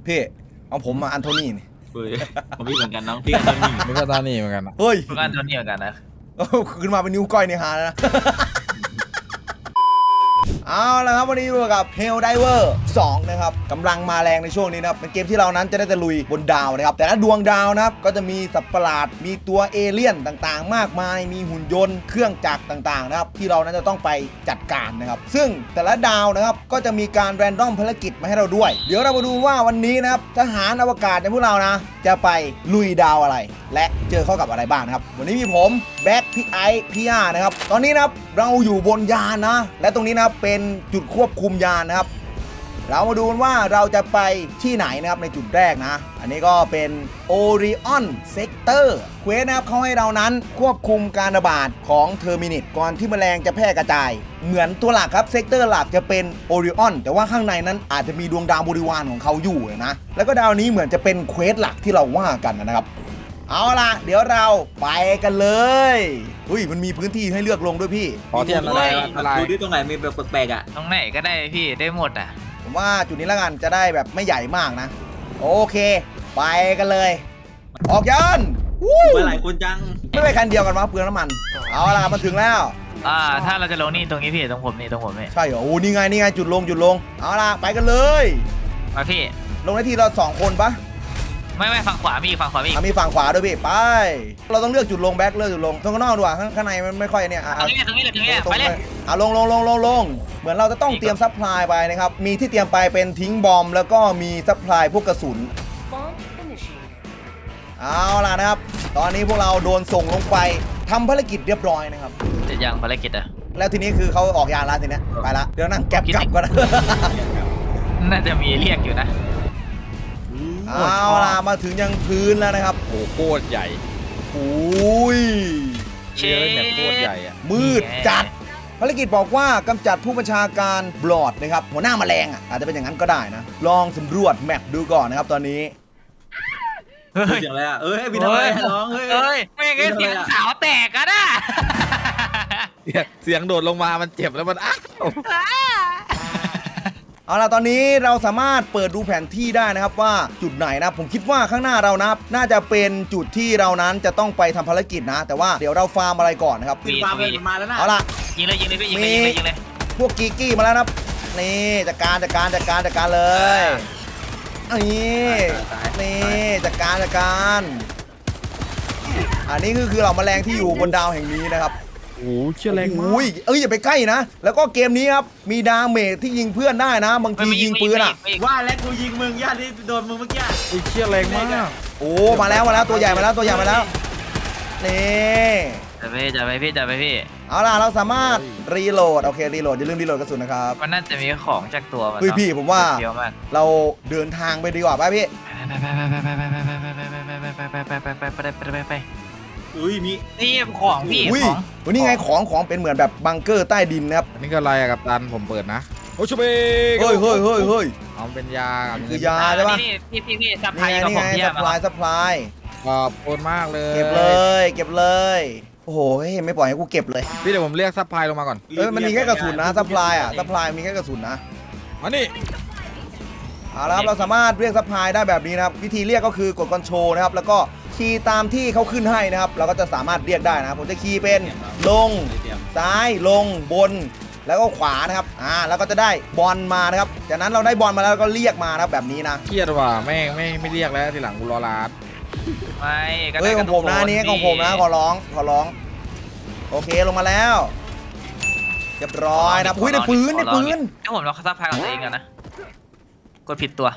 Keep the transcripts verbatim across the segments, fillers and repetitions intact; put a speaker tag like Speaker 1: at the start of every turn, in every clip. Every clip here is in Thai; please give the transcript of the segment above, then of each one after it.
Speaker 1: พี่เอาผมมาอันโทนี่นี่
Speaker 2: เฮ้ยผมพี่เหมือนกันน้องพี่อันโทนี่
Speaker 3: นี่ก็ตอนนี้เหมือนกันนะ
Speaker 1: เฮ้ย
Speaker 2: ผมอันโทนี่เหมือนกันนะ
Speaker 1: ขึ้นมาเป็นนิ้วก้อยในหาแล้วนะเอาละครับวันนี้อยู่กับ Helldivers สองนะครับกำลังมาแรงในช่วงนี้นะครับเป็นเกมที่เรานั้นจะได้ตะลุยบนดาวนะครับแต่ละดวงดาวนะครับก็จะมีสัตว์ประหลาดมีตัวเอเลี่ยนต่างๆมากมายมีหุ่นยนต์เครื่องจักรต่างๆนะครับที่เรานั้นจะต้องไปจัดการนะครับซึ่งแต่ละดาวนะครับก็จะมีการแรนดอมภารกิจมาให้เราด้วยเดี๋ยวเรามาดูว่าวันนี้นะครับทหารอวกาศในพวกเรานะจะไปลุยดาวอะไรและเจอเข้ากับอะไรบ้างนะครับวันนี้มีผมแบ็คพี่ไอซ์พี่ย่านะครับตอนนี้นะครับเราอยู่บนยานนะและตรงนี้นะครับเป็นจุดควบคุมยานนะครับเรามาดูกันว่าเราจะไปที่ไหนนะครับในจุดแรกนะอันนี้ก็เป็น Orion Sector เควสนะครับเขาให้เรานั้นควบคุมการระบาดของเทอร์มินิตก่อนที่แมลงจะแพร่กระจายเหมือนตัวหลักครับเซกเตอร์หลักจะเป็น Orion แต่ว่าข้างในนั้นอาจจะมีดวงดาวบริวารของเขาอยู่นะแล้วก็ดาวนี้เหมือนจะเป็นเควสหลักที่เราว่ากันนะครับเอาล่ะเดี๋ยวเราไปกันเลยอุ้ยมันมีพื้นที่ให้เลือกลงด้วยพี่
Speaker 3: พอที่อันตรายอันตราย
Speaker 2: ดูที่ตรงไหนมีแบบแปลกๆอ่ะ
Speaker 4: ตรงไหนก็ได้พี่ได้หมดอ่ะ
Speaker 1: ผมว่าจุดนี้ละกันจะได้แบบไม่ใหญ่มากนะโอเคไปกันเลยออกยัน
Speaker 2: ไปหลายคนจัง
Speaker 1: ไม่ไปคันเดียวกันมาเปลืองน้ำมันเอาล่ะมาถึงแล้ว
Speaker 4: อ่าถ้าเราจะลงนี่ตรงนี้พี่ตรงผมนี่ตรงผมนี่
Speaker 1: ใช่เหรอโอ้นี่ไงนี่ไงจุดลงจุดลงเอาล่ะไปกันเลย
Speaker 4: มาพี่
Speaker 1: ลงในที่เราสองคนปะ
Speaker 4: ไม่ไม่ฝั่งขวามีฝั่งขวามี
Speaker 1: มีฝั่งขวาด้วยพี่ไปเราต้องเลือกจุดลงแบ็คเลือกจุดลงตรงข้างนอกดีกว่าข้างในมันไม่ค่อยเนี่ย
Speaker 4: ตรงนี้ตรงนี้เลยตรงนี้ไปเลย
Speaker 1: อ่ะลงลงลงลงลงเหมือนเราจะต้องเตรียมซัพพลายไปนะครับมีที่เตรียมไปเป็นทิ้งบอมแล้วก็มีซัพพลายพวกกระสุนเอาล่ะนะครับตอนนี้พวกเราโดนส่งลงไปทำภารกิจเรียบร้อยนะครับ
Speaker 4: จะยังภารกิจอ่ะ
Speaker 1: แล้วทีนี้คือเขาออกยานแล้วทีนี้ไปละเดี๋ยวนั่งแก๊ปกลับก็ได้
Speaker 4: น่าจะมีเรียกอยู่นะ
Speaker 1: เอาล่ะมาถึงยังพื้นแล้วนะครับ
Speaker 3: โอ้โคตรใหญ่
Speaker 1: โอ้ย
Speaker 3: เชื่อเนี่ยโคตรใหญ่อะ
Speaker 1: มืดจัดภารกิจบอกว่ากำจัดผู้บัญชาการบลอดนะครับหัวหน้าแมลงอ่ะอาจจะเป็นอย่างนั้นก็ได้นะลองสำรวจแมปดูก่อนนะครับตอนนี้
Speaker 2: เฮ้ยเสียงอะไรอ่ะเอ้ยพี่ทำอะไรน้องเฮ้ย
Speaker 4: เฮ้ยไม่งั้นเสียงสาวแตกกันอ่ะ
Speaker 3: เสียงโดดลงมามันเจ็บแล้วมันอ้าว
Speaker 1: เอาล่ะตอนนี้เราสามารถเปิดดูแผนที่ได้นะครับว่าจุดไหนนะผมคิดว่าข้างหน้าเรานะน่าจะเป็นจุดที่เรานั้นจะต้องไปทำภารกิจนะแต่ว่าเดี๋ยวเราฟาร์มอะไรก่อนนะครับ
Speaker 2: ฟาร์มเลยมาแล้วนะ
Speaker 1: เอาล่ะ
Speaker 4: ยิงเลยยิงเลยยิงเลยยิงเลยยิงเลย
Speaker 1: พวกกีกี้มาแล้วนะนี่จัดการจัดการจัดการจัดการเลยนี่นี่จัดการจัดการอันนี้คือคือเราแมลงที่อยู่บนดาวแห่งนี้นะครับ
Speaker 3: โอ้เชี่ยแรงมาก
Speaker 1: อุ้ยเอ้ยอย่าไปใกล้นะแล้วก็เกมนี้ครับมีดาเมจที่ยิงเพื่อนได้นะบางทียิงปืนอ่ะ
Speaker 2: ว่าแล้วกูยิงมึงญาติที่โดนมึงเมื่อกี้
Speaker 3: ไอ้เชี่ยแรงมาก
Speaker 1: โอ้มาแล้วมาแล้วตัวใหญ่มาแล้วตัวใหญ่มาแล้วนี่
Speaker 4: จะไปจะไปพี่จะไปพี่
Speaker 1: เอาล่ะเราสามารถรีโหลดโอเครีโหลดอย่าลืมรีโหลดกระสุนนะครับ
Speaker 4: มันน่าจะมีของจากตัวมัน
Speaker 1: เฮ้ยพี่ผมว่าเราเดินทางไปดีกว่าป่ะพี่
Speaker 4: ไปไปไปไปไปไปไปไปไปไปไปไปไปไปไป
Speaker 2: อุ้ยมี
Speaker 4: นี่ของพี่ของ
Speaker 1: วันนี้ไงของของเป็นเหมือนแบบบังเกอร์ใต้ดินนะครับ
Speaker 3: อันนี้ก็อะไรอะกับตันผมเปิดนะโอ้ชเบ
Speaker 1: เฮ้ยเฮ้ยเฮ้ยเฮ้ย
Speaker 3: เอาเป็นยา
Speaker 1: คือยาใช่ปะ
Speaker 4: นี่พี่พี่พี่ซัพพลาย
Speaker 1: นี่ไงซัพพลายซัพพลาย
Speaker 3: ขอบคุณมากเลย
Speaker 1: เก็บเลยเก็บเลยโอ้โหไม่ปล่อยให้กูเก็บเลย
Speaker 3: พี่เดี๋ยวผมเรียกซัพพลายลงมาก่อน
Speaker 1: เอ้ยมันมีแค่กระสุนนะซัพพลายอ่ะซัพพลายมีแค่กระสุนนะ
Speaker 3: มานี่
Speaker 1: เอาละครับเราสามารถเรียกซัพพลายได้แบบนี้นะครับวิธีเรียกก็คือกดคอนโทรลนะครับแล้วก็คีย์ตามที่เขาขึ้นให้นะครับเราก็จะสามารถเรียกได้นะครับผมจะคีย์เป็นลงซ้ายลงบนแล้วก็ขวานะครับอ่าแล้วก็จะได้บอลมานะครับจากนั้นเราได้บอลมาแล้วก็เรียกมานะครับแบบนี้นะ
Speaker 3: เครียดว่ะแม่งไม่ไม่เรียกแล้วทีหลังกูรอลาด
Speaker 4: ไม่
Speaker 1: เฮ้ยของผมนะนี่ของผมนะขอร้องขอร้องโอเคลงมาแล้วเรียบร้อยนะอุ้ยในปืนในปืน
Speaker 4: ถ้าผมลองซัพพลายของตัวเองกันนะกดผิดตัว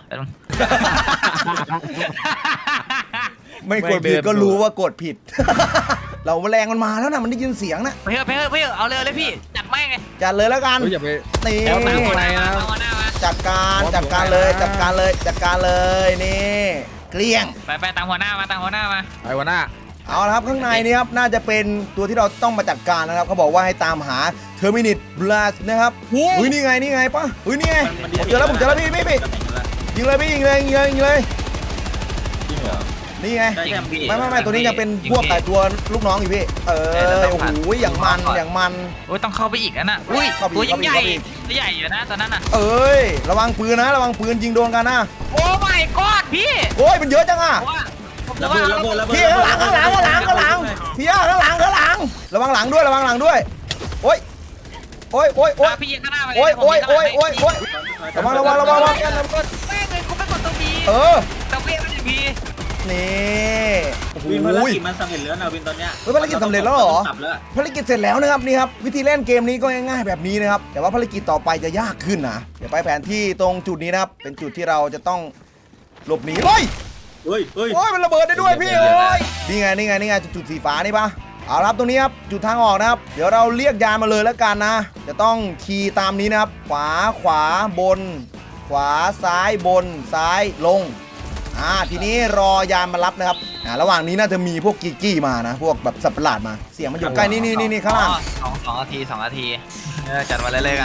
Speaker 1: ไม่กดผิดก็รู้ว่ากดผิดเราแมลงมันมาแล้วนะมันได้ยินเสียงนะ
Speaker 4: ไปเถอะไปเถอะไปเถอะเอาเลยเลยพี่จัดไม่ไง
Speaker 1: จัดเลยแล้วกัน
Speaker 3: นี่
Speaker 1: แล้วตามคนไหนนะจัดการจัดการเลยจัดการเลยจัดการเลยนี่เกลี้ยง
Speaker 4: ไปไปตามหัวหน้ามาตามหัวหน้ามา
Speaker 3: ไปหัวหน้า
Speaker 1: เอาละครับข้างในนี้ครับน่าจะเป็นตัวที่เราต้องมาจัดการนะครับเขาบอกว่าให้ตามหาเทอร์มินิตบลัสนะครับอุ้ยนี่ไงนี่ไงปะอุ้ยนี่ไงผมเจอแล้วผมเจอแล้วพี่พี่พี่ยิงเลยพี่ยิงเลยยิงเลยยิงเลย
Speaker 3: จริงเหรอ
Speaker 1: นี่ไง
Speaker 2: ได้แค่พี่
Speaker 1: ไม่ไม่ไม่ตัวนี้ยังเป็นพวกไก่ตัวลูกน้องอยู่พี่เออโอ้โหอย่างมันอย่างมัน
Speaker 4: โอ้ยต้องเข้าไปอีกนะน่ะอุ้ย
Speaker 1: เข้าไปอีก
Speaker 4: ตัวยิ่งใหญ่
Speaker 1: เข้าไปอีก
Speaker 4: ตัวใหญ่อยู่นะตอนนั้นน่ะ
Speaker 1: เอ้ยระวังปืนนะระวังปืนยิงโดนกันนะ
Speaker 4: โอ้ my god พี่
Speaker 1: โอ้ยมันเยอะจังอ่ะ
Speaker 4: ว่า
Speaker 2: ระเบิดระเบิดระเบิด
Speaker 1: พี่ข้างหลังข้างหลังข้างหลังข้างหลังพี่ย่าข้างหลังข้างหลังระวังหลังด้วยระวังหลังด้วยโอ้ยโอ้ยโอ้ยโอ้ย
Speaker 4: อ่ะพี่ยิงข้างหน้าไปเล
Speaker 1: โอ้ย
Speaker 4: ผม
Speaker 1: โอ้ย
Speaker 4: งข้างห
Speaker 1: โอ้
Speaker 4: ลั
Speaker 1: ย
Speaker 4: ง
Speaker 1: โอ้ยโอ้ยระวังระวังระวังระวัง
Speaker 4: แม่งเลยกูไม่กดตัวบี
Speaker 1: เออ
Speaker 4: แต่เว้ยไม่ได้บี
Speaker 1: นี่โอ้โห
Speaker 2: วินภารกิจมันสำเร็จแล้วนะวินตอนเนี้ย
Speaker 1: เฮ้ยภารกิจสำเร็จแล้วเหรอ
Speaker 2: กลับแล้ว
Speaker 1: ภารกิจเสร็จแล้วนะครับนี่ครับวิธีเล่นเกมนี้ก็ง่ายๆแบบนี้นะครับแต่ว่าภารกิจต่อไปจะยากขึ้นนะเดี๋ยวไปแผนที่ตรงจุดนี้นะครับเป็นจุดที่เราจะต้องหลบหนีเฮ้ย
Speaker 2: เฮ้ยเฮ้ย
Speaker 1: โอ้ยมันระเบิดได้ด้วยพี่โอ้ยนี่ไงนี่ไงนี่ไงจุดสีฟ้านี่ปะเอาละครับตรงนี้ครับจุดทางออกนะครับเดี๋ยวเราเรียกยานมาเลยแล้วกันนะจะต้องขี่ตามนี้นะครับขวาขวาบน ขวาซ้ายบนซ้ายลงอ่าทีนี้รอยานมารับนะครับอ่าระหว่างนี้น่าจะมีพวกกีกี้มานะพวกแบบสัตว์ประหลาดมาเสียงมันอยู่ใกล้นี่นี่นี่นี่ข้างล่าง
Speaker 4: สองสองนาทีสองนาทีเออจัดมาเรื่อยๆกัน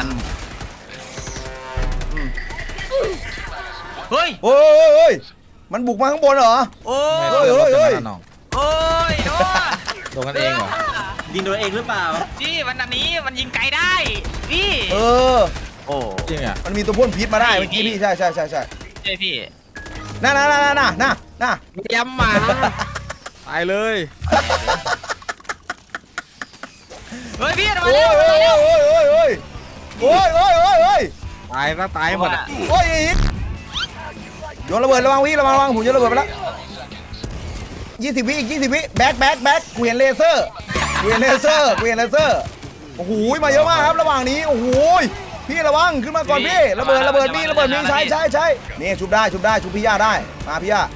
Speaker 4: เฮ้ย
Speaker 1: โอ้ยโอ้ยโอ้ยมันบุกมาข้างบนเหรอ
Speaker 4: โอ้
Speaker 3: ไม่
Speaker 4: ย
Speaker 1: เฮ้
Speaker 3: เฮ้
Speaker 1: ย
Speaker 3: ย
Speaker 1: เฮ้
Speaker 3: เฮ้
Speaker 1: ย
Speaker 3: ย
Speaker 1: เฮ้ย
Speaker 3: น้อง
Speaker 4: โอ้ยโอ้ย
Speaker 3: โดนกันเองเหรอ
Speaker 2: ยิงตัวเองหรือเปล่า
Speaker 4: พี่วันนี้มันยิงไกลได้พี่
Speaker 1: เออ
Speaker 4: โอ้
Speaker 3: จริงอ่ะ
Speaker 1: มันมีตัวพ่นพิษมาได้เมื่อกี้พี่ใช่ใช่ใช่ใช่
Speaker 4: ใช่พี่
Speaker 1: น่าน่าน่าน่าน่าน่าน่า
Speaker 3: ย้ำมาตายเลย
Speaker 4: เฮ้ยพี่มา
Speaker 1: โอ้
Speaker 4: แล้
Speaker 1: ยว โอ้
Speaker 4: มาย แล้ว
Speaker 1: โอ้ยโอ้ยโอ้ยโอ้ยโอ้ยโอ้ย
Speaker 3: ตายซะตายหมดอ่ะ
Speaker 1: โอ้ยอีกโยนระเบิดระวังวิระวังระวังผมโยนระเบิดไปแล้วยี่สิบวิอีกยี่สิบวิแบ็คแบ็คแบ็คกูเห็นเลเซอร์กูเห็นเลเซอร์กูเห็นเลเซอร์โอ้โหมาเยอะมากครับระหว่างนี้โอ้โหพี่ระวังขึ้นมาก่อนพี่ระเบิดระเบิดพี่ระเบิดมีใช้ใช้ใช้นี่ชุบได้ชุบได้ชุบพี่ย่าได้มาพี่ย่า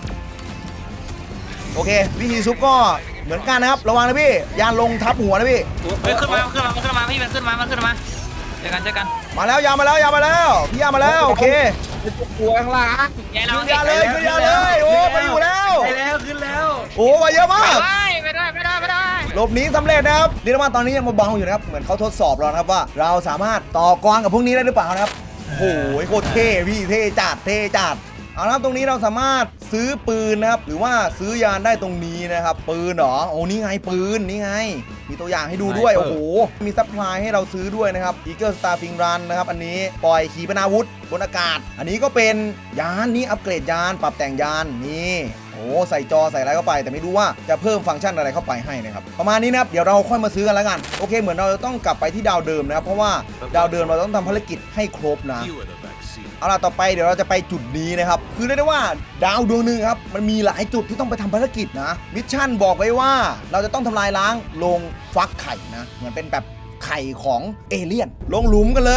Speaker 1: โอเควิธีชุบก็เหมือนกันนะครับระวังนะพี่ยานลงทับหัวนะพี่
Speaker 4: เฮ้ยขึ้นมาขึ้นมาขึ้นมาพี่มันขึ้นมามันขึ้นมาเจอกันเจอกัน
Speaker 1: มาแล้วยามาแล้วยามาแล้วพี่ยามาแล้วโอเค
Speaker 3: กลัวข้างล่าง
Speaker 4: ยายเรา
Speaker 1: ขึ้นยาเลยขึ้นยาเลยโอ้มาอยู่แล้ว
Speaker 2: ไปแล้วขึ้นแล้ว
Speaker 1: โอ้มาเยอะมาก
Speaker 4: ไม่ได้ไม่ได้ไม่ได้ไม่ได้
Speaker 1: หลบหนีสำเร็จนะครับเรียกได้ว่าตอนนี้ยังเบาๆอยู่นะครับเหมือนเขาทดสอบเรานะครับว่า เราสามารถต่อกรกับพวกนี้ได้หรือเปล่านะครับโอ้โหโคตรเท่พี่เท่จัดเท่จัดเอาละครับตรงนี้เราสามารถซื้อปืนนะครับหรือว่าซื้อยานได้ตรงนี้นะครับปืนเหรอโอ้นี่ไงปืนนี่ไงมีตัวอย่างให้ดูด้วยโอ้โหมีซัพพลายให้เราซื้อด้วยนะครับ Eagle Starfing Run นะครับอันนี้ปล่อยขีปนาวุธบนอากาศ อันนี้ก็เป็นยานนี่อัปเกรดยานปรับแต่งยานนี่โอ้ใส่จอใส่อะไรเข้าไปแต่ไม่รู้ว่าจะเพิ่มฟังก์ชันอะไรเข้าไปให้นะครับประมาณนี้นะครับเดี๋ยวเราค่อยมาซื้อกันแล้วกันโอเคเหมือนเราจะต้องกลับไปที่ดาวเดิมนะครับเพราะว่าดาวเดิมเราต้องทำภารกิจให้ครบนะเอาล่ะต่อไปเดี๋ยวเราจะไปจุดนี้นะครับคือเรียกได้ว่าดาวดวงหนึ่งครับมันมีหลายจุดที่ต้องไปทำภารกิจนะมิชชั่นบอกไว้ว่าเราจะต้องทำลายล้างโรงฟักไข่นะเหมือนเป็นแบบไข่ของเอเลี่ยนลงหลุมกันเลย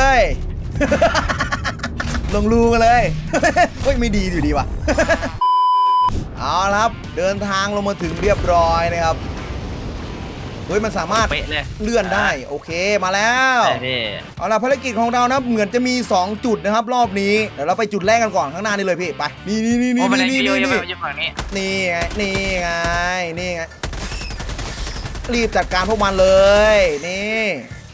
Speaker 1: ลงรูกันเลย เฮ้ยไม่ดีอยู่ดีว่ะ เอาละครับเดินทางลงมาถึงเรียบร้อยนะครับเฮ้ยมันสามารถ
Speaker 4: เป๊ะเลย
Speaker 1: เลื่อนได้โอเคมาแล้ว
Speaker 4: ใช่พี่
Speaker 1: เอาล่ะภารกิจของเรานะเหมือนจะมี สอง จุดนะครับรอบนี้เดี๋ยวเราไปจุดแรกกันก่อนข้างหน้านี่เลยพี่ไปนี่นี่นี่
Speaker 4: โอ้
Speaker 1: นี่
Speaker 4: มาเลย
Speaker 1: นี่
Speaker 4: พี่โย
Speaker 1: นี่
Speaker 4: ย
Speaker 1: นี่
Speaker 4: ยฝั่งนี้
Speaker 1: นี่ไงนี่ไงนี่ไงรีบจัดการพวกมันเลย นี่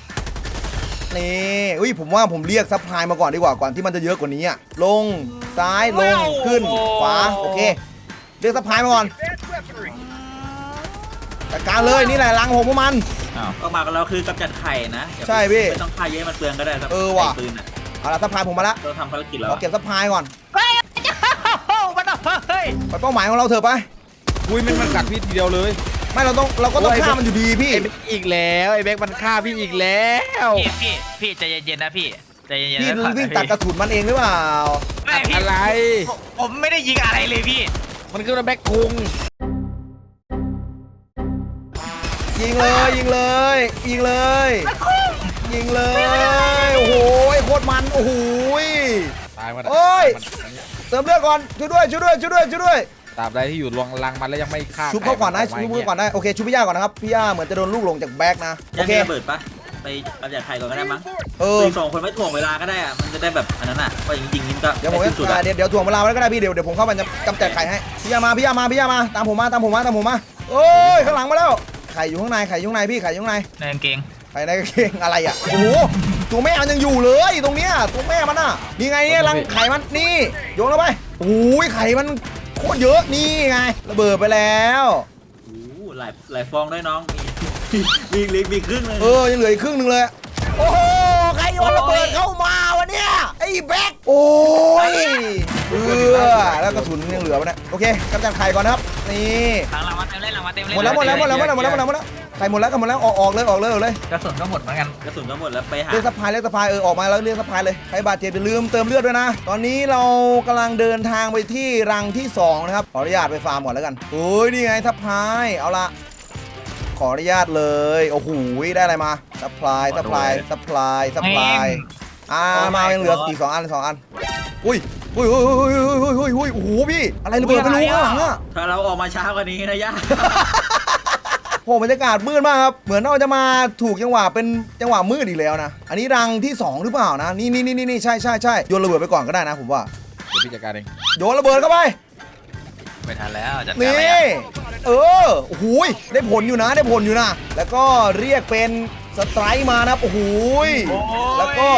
Speaker 1: นี่อุ้ยผมว่าผมเรียกซัพพลายมาก่อนดีกว่าก่อนที่มันจะเยอะกว่านี้อะลงซ้ายลงขึ้นขวาโอเคเรียกซัพพลายมาก่อนจัดการเลยนี่แหละรังของพวกมัน
Speaker 2: ออกมากับเราคือกำจัดไข่นะอย่า
Speaker 1: ใช่พี่
Speaker 2: ไม่ต้องฆ่าเยอะมันเปลืองก็ได้ครับ
Speaker 1: เออว่ะ
Speaker 2: ไข่ปืนอ่ะ
Speaker 1: เอาละซัพพลายผมมาละ
Speaker 2: เราทำภารกิจแล้ว
Speaker 1: ขอเก็บซัพพลายก่อน
Speaker 4: เฮ้ยโอ้มันเฮ้ย
Speaker 1: ไปเป้าหมายของเราเถอะไป
Speaker 3: อุ้ยมันมันกัดพี่ทีเดียวเลย
Speaker 1: ไม่เราต้องเราก็ต้องฆ่ามันอยู่ดีพี่
Speaker 3: ไอ้เบ็กอีกแล้วไอ้เบ็กมันฆ่าพี่อีกแล้ว
Speaker 4: พี่พี่พี่ใจเย็นๆนะพี่ใจเย็นๆ
Speaker 1: พี่
Speaker 4: นะ
Speaker 1: วิ่งตัดกระสุนมันเองหรือเปล่า
Speaker 4: ไม่พี่
Speaker 3: อะไร
Speaker 4: ผมไม่ได้ยิงอะไรเลยพี่
Speaker 3: มันคือแบ็กคุง
Speaker 1: ยิงเลยยิงเลยยิงเลยยิงเลยโอ้โหโคตรมันโอ้โห
Speaker 3: ตายหมด
Speaker 1: โอ้ย
Speaker 3: มัน
Speaker 1: เติมเลือดก่อนช่วยด้วยช่วยด้วยช่วยด้วยช่วยด้วย
Speaker 3: ตราบใดที่อยู่รวงรังมันแล้วยังไม่ฆ่า
Speaker 1: ชุบเขาก่อนนะ
Speaker 3: ไ
Speaker 1: ชุบเขาก่อนนะโอเคชุบพี่ย่าก่อนนะครับพี่ย่าเหมือนจะโดนลูกหลงจากแบ็กนะโอ
Speaker 2: ยัง
Speaker 1: เค
Speaker 2: มีระเบิดปะไปกำจัดไข่ก่อนก็ได้มั้ง
Speaker 1: เออ
Speaker 2: อีกสองคนไม่ถ่วงเวลาก็ได้อะมันจะได้แบบอันนั้นอ่ะว่าจริงๆนี่ก็
Speaker 1: เดี๋ยวผม
Speaker 2: ได้ที่สุด
Speaker 1: จะ
Speaker 2: อะ
Speaker 1: เดี๋ยวเดี๋ยวถ่วงเวลาไว้ก็ได้พี่เดี๋ยวเดี๋ยวผมเข้าไปจะกำจัดไข่ให้พี่ย่ามาพี่ย่ามาพี่ย่ามาตามผมมาตามผมมาตามผมมาโอ้ยข้างหลังมาแล้วไข่อยู่ข้างในไข่อยู่ข้างในพี่ไข่อยู่ข้างใน
Speaker 4: ในกางเกง
Speaker 1: ไข่ในกางเกงอะไรอ่ะโอ้โหตัวแม่มันยังอยู่เลยตรงเนี้ยตัวแม่มันอ่ะนี่ไงเนี่ยรังไข่มันนี่โยนลงไปโอ้ยไข่มันโคตรเยอะนี่ไงระเบิดไปแล้ว
Speaker 2: โอ้โหหลายหลายฟองด้วยน้องมีมีมีมีครึ่งเลย
Speaker 1: เออยังเหลืออีกครึ่งหนึ่งเลยโอ้โหใครโยนระเบิดเข้ามาวะเนี่ยไอ้แบ็คโอ้ยเออแล้วกระสุนยังเหลือวะเนี่ยโอเคกำจัดไข่ก่อนนะครับนี่
Speaker 4: หลังหลังมาเต็มเลยหลังมาเต็มเลย
Speaker 1: หมดแล้วหมดแล้วหมดแล้วหมดแล้วหมดแล้วหมดแล้วหมดแล้วไข่หมดแล้วก็หมดแล้วออกออกเลยออกเลยออกเลย
Speaker 4: กระสุนก็หมดเหมือนกัน
Speaker 2: กระสุนก็หมดแล้วไปหา
Speaker 1: เรียกสะพายเรียกสะพายเออออกมาแล้วเรียกสะพายเลยใครบาดเจ็บอย่าลืมเติมเลือดด้วยนะตอนนี้เรากำลังเดินทางไปที่รังที่สองนะครับขออนุญาตไปฟาร์มก่อนแล้วกันโอ้ยนี่ไงสะพายเอาละขออนุญาตเลยโอ้โหได้อะไรมาสะพายสะพายสะพายสะพายอ่ามายังเหลืออีกสองอันสองอันอุ้ยอุ้ยอุ้ยอุ้ยอุ้ยอุ้ยอุ้ยโอ้โหพี่อะไรระเบิดไม่รู้ข้างหลังอะ
Speaker 2: ถ้าเราออกมาช้ากว่านี้นะย่า
Speaker 1: โอ้บรรยากาศมืดมากครับเหมือนเราจะมาถูกจังหวะเป็นจังหวะมืดอีกแล้วนะอันนี้รังที่สองหรือเปล่านะนี่นี่นี่นี่ใช่ใช่ใช่โยนระเบิดไปก่อนก็ได้นะผมว่า
Speaker 3: เดี๋ยวพี่จัดการเอง
Speaker 1: โยนระเบิดเข้าไป
Speaker 4: ไม่ทันแล้วจัดการ
Speaker 1: นี่
Speaker 4: เลย
Speaker 1: เออโอ้โหยได้ผลอยู่นะได้ผลอยู่นะแล้วก็เรียกเป็นสไตร์มานะครับโอ้โหยแล้วก็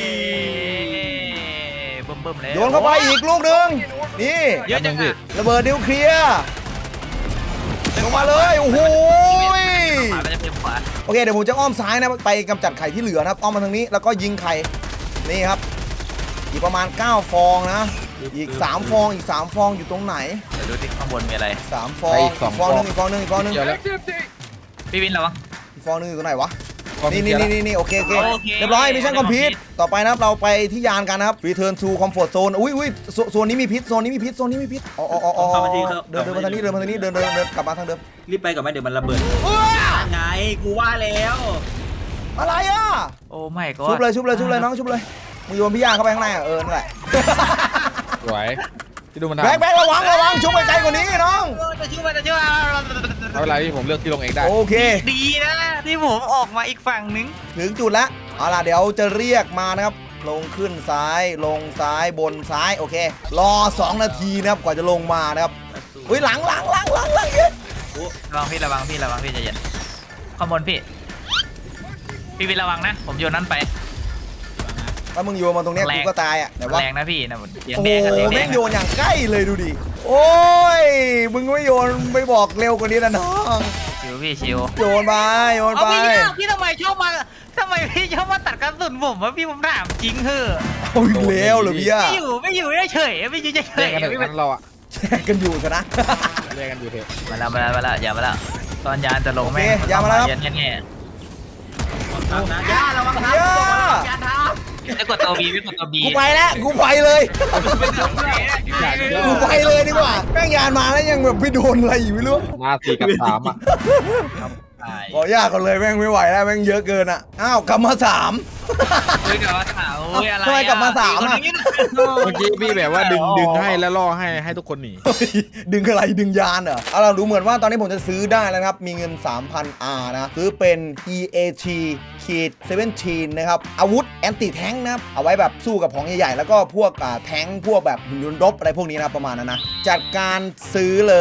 Speaker 4: เบิ่มเบิ่มเลย
Speaker 1: โยนเข้าไปอีกลูกหนึ่งนี่
Speaker 4: เยอะจังพี่
Speaker 1: ระเบิดนิวเคลียร์ลงมาเลยโอ้โหย
Speaker 4: ขวาไปจะเป็นขวา
Speaker 1: โอเคเดี๋ยวผมจะอ้อมซ้ายนะไปกำจัดไข่ที่เหลือนะครับอ้อมมาทางนี้แล้วก็ยิงไข่นี่ครับอีกประมาณเก้าฟองนะอีกสามฟองอีกสามฟองอยู่ตรงไหน
Speaker 4: เดี๋ยวดูที่ข้างบนมีอะไร
Speaker 1: สามฟองอีกฟองหนึงอีกฟองหนึงอีกฟองหนึง
Speaker 3: เดี๋ยวแล้ว
Speaker 4: พี่วินระวัง
Speaker 1: อีกฟองหนึงอยู่ตรงไหนวะ
Speaker 3: ความ
Speaker 1: นี่
Speaker 3: เสี
Speaker 1: นี่
Speaker 3: ย
Speaker 1: นี่
Speaker 3: แล้ว
Speaker 1: นี่นี่โอเคโอเค
Speaker 4: โอเค
Speaker 1: เรียบร้อยมิชชั่นคอมพลีท
Speaker 4: complete
Speaker 1: ต่อไปนะครับเราไปที่ยานกันนะครับ Return to Comfort Zone อุ้ยอุ้ยโซโซนนี้มีพิษโซนนี้มีพิษโซนนี้มีพิษอ๋ออ๋ออ๋อเดินเดินมาทางนี้เดินมาทางนี้เดินเดินเดินกลับมาทางเดิม
Speaker 2: รีบไปก่อนไหมเดี๋ยวมันระเบิด
Speaker 1: เอ้ย
Speaker 2: ไงกูว่าแล้ว
Speaker 1: อะไรอ่ะ
Speaker 4: โอ้ไม่ก็
Speaker 1: ชุบเลยชุบเลยชุบเลยน้องชุบเลยมึงโยนพี่ย่าเข้าไปข้างในอ่ะเออนั่นแหละ
Speaker 3: สวยที่ดูมันทำ
Speaker 1: แบกแบกระวังระวังชุบไปไกลกว่านี้น้อง
Speaker 4: จะชื่อว่าจะชื่อว่า
Speaker 3: เอาเวลาที่ผมเลือกที่ลงเองได้
Speaker 1: โอเค
Speaker 4: ดีนะที่ผมออกมาอีกฝั่งนึง
Speaker 1: ถึงจุดแล้วเอาล่ะเดี๋ยวจะเรียกมานะครับลงขึ้นซ้ายลงซ้ายบนซ้ายโอเค รอสองนาทีนะครับกว่าจะลงมานะครับอุ้ยหลังหลังหลังหลังหลังเยอะ
Speaker 4: ระวังพี่ระวังพี่ระวังพี่ใจเย็นข้างบนพี่พี่วินระวังนะผมโยนนั้นไป
Speaker 1: ถ้ามึงโยนมาตรงเนี้ย
Speaker 4: แรง
Speaker 1: กูก็ตายอ่ะแต่ว่า
Speaker 4: แรงนะพี่นะเสียง
Speaker 1: โอ้
Speaker 4: แด
Speaker 1: โห
Speaker 4: งกับเสียงแด
Speaker 1: แม่
Speaker 4: ง
Speaker 1: งโยนอย่างใกล้เลยดูดิ โอ้ย มึงไม่โยนไม่บอกเร็วกว่านี้นะน้อง
Speaker 4: ชิวพี่ชิว
Speaker 1: โยนไปโยน
Speaker 4: เอา
Speaker 1: ไป
Speaker 4: พี่พี่ทำไมชอบมาทำไมพี่ชอบมาตัดกระสุนผมวะพี่ผมถามจริงเหอะ
Speaker 1: เอาอีกแล้วเหรอพี่อะ
Speaker 4: ไม่อยู่ไม่อยู่เฉยไม่อยู่เฉ
Speaker 3: เรีย
Speaker 1: Dạ,
Speaker 4: ย
Speaker 3: กกันเถอะ
Speaker 4: ไม่
Speaker 3: งั้นเราอะ
Speaker 1: แชร์กันอยู่กันนะ
Speaker 3: เรียกกันอยู่เถอะ
Speaker 4: มาแล้วมาแล้วมาแล้วอย่ามาแล้วตอนยานจะลง
Speaker 1: โอเค
Speaker 4: แม่ง
Speaker 1: อย่ามาแล้วครับ
Speaker 4: เย็นแง่
Speaker 2: ทำนะย่าระวังนะ
Speaker 1: ย่า
Speaker 2: ย่าท
Speaker 4: ๆไม่กดตัวบีไม่กดตัวบี
Speaker 1: กูไปแล้วกูไปเลย กูไปเลยดีกว่าแม่งยานมาแล้วยังแบบไม่โดนอะไรอยู่ไม่รู้
Speaker 3: มาสี่กับสามอะ
Speaker 1: ขอยากกันเลยแม่งไม่ไหวแล้วแม่งเยอะเกินอ่ะ อ้าวกลับมาสาม
Speaker 4: เฮ้ยกลับมาสาวโอ้ยอะไร
Speaker 1: ทำไมกลับมาสามอะ
Speaker 4: คนนี้
Speaker 3: เมื่อกี้พี่แบบว่าดึงดึงให้แล้วล่อให้ให้ทุกคนหนี
Speaker 1: เฮ้ยดึงอะไรดึงยานเหรอเอาเราดูเหมือนว่าตอนนี้ผมจะซื้อได้แล้วนะครับ มีเงิน สามพัน อาร์ นะ ซื้อเป็น อี เอ ที สิบเจ็ด นะครับ อาวุธแอนตี้แทงค์นะครับ เอาไว้แบบสู้กับของใหญ่ๆ แล้วก็พวกอ่าแทงค์พวกแบบหุ่นยนต์รบอะไรพวกนี้นะประมาณนั้นนะ จัดการซื้อเลย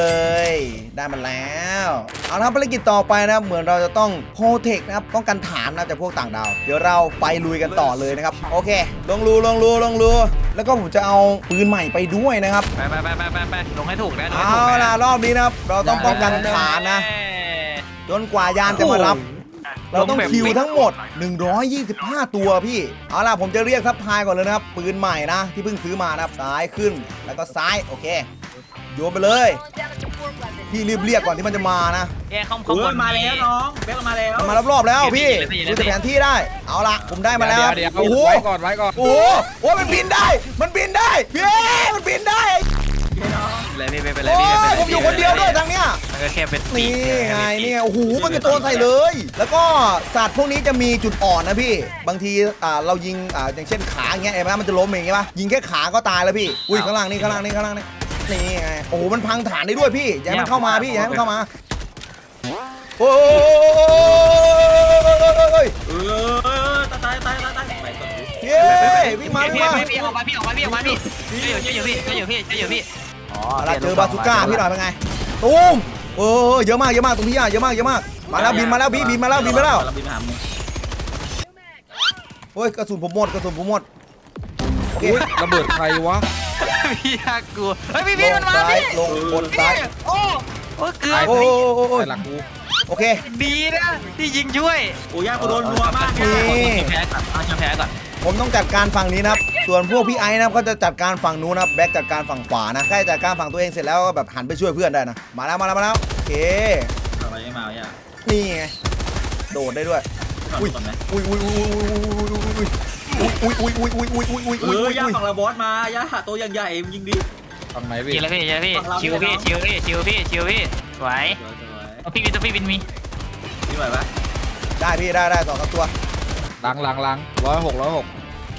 Speaker 1: ได้มาแล้ว เอาละครับภารกิจต่อไปนะครับเหมือนเราจะต้องโปรเทคนะครับป้องกันฐานนะจากพวกต่างดาว เดี๋ยวเราไปลุยกันต่อเลยนะครับ โอเค ลงรูลงรูลงรูแล้วก็ผมจะเอาปืนใหม่ไปด้วยนะครับ
Speaker 4: ไปไปไปไปไปไปลงให้ถูกนะลงให้
Speaker 1: เอา
Speaker 4: ถูกนะ
Speaker 1: ล่ะรอบนี้นะครับ เราต้องป้องกันฐานนะ จนกว่ายานจะมารับ เราต้องคิวทั้งหมด หนึ่งร้อยยี่สิบห้า ตัวพี่ เอาล่ะผมจะเรียกซัพพลายก่อนเลยนะครับ ปืนใหม่นะ ที่เพิ่งซื้อมานะครับ ซ้ายขึ้น แล้วก็ซ้าย โอเค โยนไปเลย พี่รีบเรียกก่อนที่มันจะมานะ
Speaker 4: แย่ข้าง
Speaker 2: ำ
Speaker 4: ข้างบ
Speaker 2: เฮ้ย
Speaker 4: น
Speaker 2: มาแล้วน้องเบลมาแล้ว
Speaker 1: มันมารอบๆแล้วพี่ดูจากแผนที่ได้ เอาล่ะผมได้มาแล้ว
Speaker 3: เดี๋ยว
Speaker 1: โอ้โห
Speaker 3: ไว้ก่อนไว้ก่อน
Speaker 1: โอ้โหโอ้ยมันบินได้ มันบินได้พี่มันบินได้
Speaker 4: เลยพี่ไปไปเลย
Speaker 1: โอ้
Speaker 4: พี่ไป
Speaker 1: ย
Speaker 4: เลย
Speaker 1: ผมอยู่คนเดียวด้วยทางเนี้ย
Speaker 4: มันก็แค่เป็น
Speaker 1: นี่ไงนี่ไงโอ้โหมันกระโจนใส่เลย แล้วก็สัตว์พวกนี้จะมีจุดอ่อนนะพี่ บางทีอ่าเรายิงอ่าอย่างเช่นขาอย่างเงี้ยเห็นไหมมันจะล้มเองใช่ปะยิงแค่ขาก็ตายแล้วพี่อุ้ยข้างล่างนี่ข้างล่างนี่ข้างล่างนี่นี่ไงโอ้โหมันพังฐานได้ด้วยพี่อย่าให้มันเข้ามาพี่อย่าให้มันเข้ามาโอ้ย
Speaker 2: เออตายตายตายตายตายไปก่อนดิ
Speaker 1: เย้วิ่งมาวิ่ง
Speaker 4: พี่
Speaker 1: มา
Speaker 4: พี่ออกมาพี่ออกมาพี่ออกมาพี่ช่วยอยู่พี่ช่วยอยู่พี่ช่วยอยู่พี่อ๋อ
Speaker 1: เราเจอบาซูก้าพี่หน่อยเป็นไงตูมโอ้เยอะมากเยอะมากตรงพี่อ่ะเยอะมากเยอะมากมาแล้วบินมาแล้วพี่บินมาแล้วบินมาแล้ว
Speaker 2: เราบินมาหามึง
Speaker 1: โอ้ยกระสุนผมหมดกระสุนผมหมดโอเค
Speaker 3: อุ๊ยระเบิดใครวะ
Speaker 4: พี่ยากลัวเฮ้ยพี่
Speaker 1: ล
Speaker 4: พี่
Speaker 1: ง
Speaker 4: มันมา
Speaker 1: ซ้าย
Speaker 4: พี่
Speaker 1: ลงบนซ้าย
Speaker 4: โอ้โอ้เกือบ
Speaker 1: โอ้โอ้โอ้
Speaker 3: ไอ้หลังกู
Speaker 1: โอเค
Speaker 4: ดีนะที่ยิงช่วย
Speaker 2: โอ้ย่ากูโดนนัวมาก
Speaker 1: นี่
Speaker 4: แพ้ก่อนเอาชมแพ้ก่อน
Speaker 1: ผมต้องจัดการฝั่งนี้นะครับ ส่วนพวกพี่ไอ้นะครับก็จะจัดการฝั่งนู้นนะครับแบ็คจัดการฝั่งขวานะใกล้จัดการฝั่งตัวเองเสร็จแล้วก็แบบหันไปช่วยเพื่อนได้นะ มาแล้วมาแล้วมาแล้วโอเค
Speaker 2: อะไรไม่มาย่า
Speaker 1: นี่ไง โดดได้ด้วย
Speaker 2: อุ้ยก่อนไหม
Speaker 1: อุ้ยอุ้ยอุ้ยอุ้ยอุ้ยอุ้ยอุ้ยอุ้ยอุ้ยอุ้ยอุ้ย
Speaker 2: เอ
Speaker 1: อุ้ย
Speaker 2: อย่าฝั่งระบอสมาย่าตัวใหญ่ๆยิงดิ
Speaker 3: ฝั่งไหนพี่
Speaker 4: ยิงเลยพี่ยิงเลยพี่
Speaker 2: ฝั่งเรา
Speaker 4: ชิวพี่
Speaker 2: ไม่ได้
Speaker 4: ชิวพี่ชิวพี่ชิวพี่สวย
Speaker 2: สวย
Speaker 4: เอาพี่วินตัวพี่วินมี
Speaker 2: ๆนี่ไหวปะ
Speaker 1: ได้พี่ได้ได้ต่อกับตัว
Speaker 3: หลังหลังหลังร้อยหกร้อยหก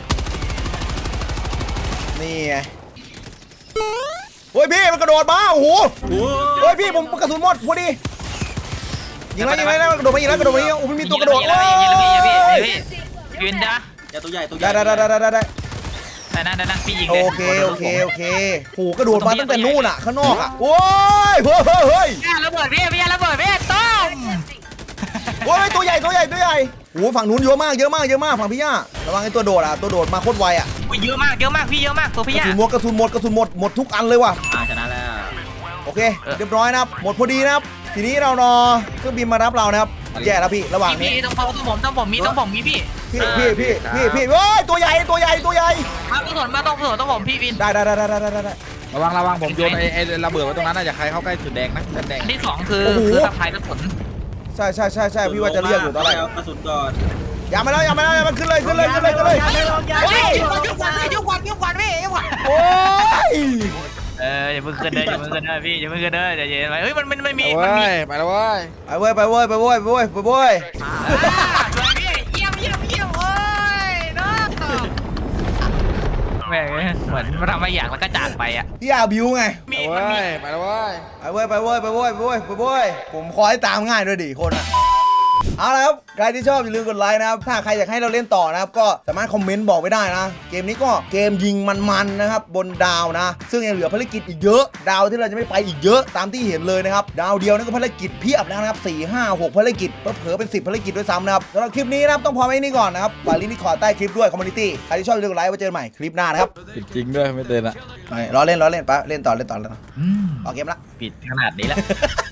Speaker 1: นี่ไงโอ้ยพี่มันกระโดดมาโอ้โห
Speaker 2: โอ้
Speaker 1: เฮ้ยพี่ผมกระสุนหมดพอดียิงแล้วยิงแล้วกระโดดมายิงแล้วกระโดดมายิงแล้วโอ้ไม่มีตัวกระโดด
Speaker 4: ยิงเลยพี่ยิงเลยพี่ยิงเลยพี่พี่วินจ้ะ
Speaker 2: ย่าตัวใหญ่ตัวใหญ่
Speaker 1: ได้ได้ได้ได้ได้ได้
Speaker 4: ได้นะได้นะพี่ยิง
Speaker 1: โอ
Speaker 4: เลย
Speaker 1: เคโอเคโอเคโหกระโดดมาตั้งแต่นู่นอ่ะข้างนอกอ่ะโอ้ยเฮ้ยเฮ้ยเฮ้ย
Speaker 4: พี่ระเบิดพี่พี่ระเบิดพี่ต้ม
Speaker 1: โอ้ยตัวใหญ่ตัวใหญ่ตัวใหญ่โอ้ฝั่งนู้นเยอะมากเยอะมากเยอะมากฝั่งพี่ย่าระวังไอ้ตัวโดดอ่ะตัวโดดมาโคตรไวอ่ะ
Speaker 4: เยอะมากเยอะมากพี่เยอะมากตัว
Speaker 1: ก
Speaker 4: พี่
Speaker 1: ระ
Speaker 4: ยา
Speaker 1: สุนหมดกระสุนหมดกระสุนหมดหมดทุกอันเลยว่ะ
Speaker 2: อ่าชนะแล้ว
Speaker 1: โอเคเรียบร้อยนะครับหมดพอดีนะครับทีนี้เรารอเครื่องบินมารับเรานะครับแย่แล้วพี่ระหว่างนี้
Speaker 4: พี่ต้องต้องผมต้องผมมีต้องผมมีพี่
Speaker 1: พี่พี่พี่พี่พี่เฮ้ยตัวใหญ่ตัวใหญ่ตัวใหญ่
Speaker 4: มาต้องสนมาต้องสนต้องผมพี่วิน
Speaker 1: ได้ได้ได้ได้ได้ได้ได้
Speaker 3: ระวังระวังผมโยนไอ้ไอ้ระเบิดไว้ตรงนั้นน่าจะใครเข้าใกล้จุดแดงนะจุดแดง
Speaker 4: อันที่สองคือคือสะพายกระสุน
Speaker 1: ใช่ใช่ใช่ใช่พี่ว่าจะเรียกอยู่ตอนแรก
Speaker 2: กระสุนก่อน
Speaker 1: อย่ามาแล้วอย่ามาแล้วอย่ามาขึ้นเลยขึ้นเลยขึ้นเลยขึ้นเลย
Speaker 4: เฮ้ยยุกวันยุกวันยุกวันยุกวันพี่ยุกวัน
Speaker 1: โอ้ย
Speaker 4: เอออย่าเพิ่งขึ้นเด้ออย่าเพิ่งขึ้นเด้อพี่อย่าเพิ่งขึ้นเด้ออย่าเย็นไปเฮ้ยมันมันมันมี
Speaker 3: ไป
Speaker 4: มัน
Speaker 3: เว้
Speaker 4: มี
Speaker 3: ยไปแล้วเว้ย
Speaker 1: ไปเว้ยไปเว้ยไปเว้ยไปเว้ยไปเว้ย
Speaker 4: สวยพี่เยี่ยมเยี่ยมเยี่ยมโอ้ยน้องแม่เหมือนมาทำอะไรอย่างแล้วก็จากไปอ่ะ
Speaker 1: พี่อาบิวไง
Speaker 4: มี
Speaker 3: ไป
Speaker 4: มัน
Speaker 3: เว้
Speaker 4: มี
Speaker 3: ยไปแล้วเว้ย
Speaker 1: ไปเว้ยไปเว้ยไปเว้ยไปเว้ยไปเว้ยผมขอให้ตามง่ายด้วยดิคนอ่ะเอาละครับใครที่ชอบอย่าลืมกดไลค์นะครับถ้าใครอยากให้เราเล่นต่อนะครับก็สามารถคอมเมนต์บอกไว้ได้นะเกมนี้ก็เกมยิงมันๆนะครับบนดาวนะ ซึ่งยังเหลือภารกิจอีกเยอะดาวที่เราจะไม่ไปอีกเยอะตามที่เห็นเลยนะครับดาวเดียวนี่ก็ภารกิจเพียบแล้วนะครับสี่ห้าหกภารกิจเผลอๆเป็นสิบภารกิจด้วยซ้ำนะครับสำหรับคลิปนี้นะครับต้องพอไว้นี่ก่อนนะครับฝากลิงก์ที่ขอใต้คลิปด้วยคอมมูนิตี้ใครที่ชอบอย่าลืมกดไลค์ไว้เจอกันใหม่คลิปหน้านะครับ
Speaker 3: จริงด้วยไม่เตือนอะ
Speaker 1: ไม่ล้อเล่นล้อเล่นปะเล่นต่อเล่นต่อแล้ว
Speaker 4: อืม
Speaker 1: ออกเกมละ
Speaker 4: ปิดขนาดนี้แล้ว